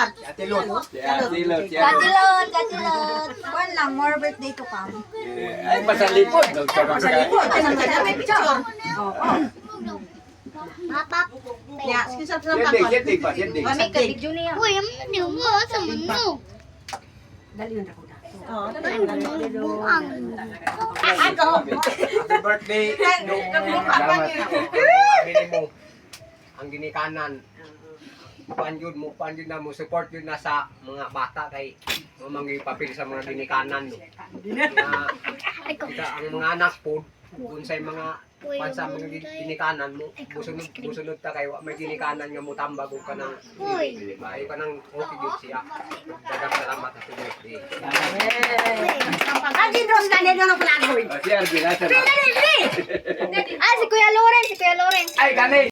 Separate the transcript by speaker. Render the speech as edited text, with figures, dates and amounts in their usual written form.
Speaker 1: Atilot.
Speaker 2: Katilot. Kuan lang, more birthday to come.
Speaker 1: Ay, pasalipod.
Speaker 2: Pasalipod. May picture.
Speaker 3: Mapap.
Speaker 2: Ya, sisap sa
Speaker 1: Yendig pa, yendig.
Speaker 2: Kami ka video niya.
Speaker 3: Uy, ang niyo mo sa mundo.
Speaker 2: Dali na ako.
Speaker 4: Happy birthday. Ang ginikanan. Panjud na mo support yun na sa mga bata kay mamang papil sa mga ginikanan no. Na kita ang mga anak po kung sa mga pansa mga ginikanan mo busunod ta kay wa may ginikanan nga mo tambag og kanang ay kanang okay gyud siya. Daghang salamat sa birthday.
Speaker 2: Agin Ros ka nito ng palagoy.
Speaker 1: Si Arvin, asa na?
Speaker 3: Ah, si Kuya Loren.
Speaker 1: Ay, kani!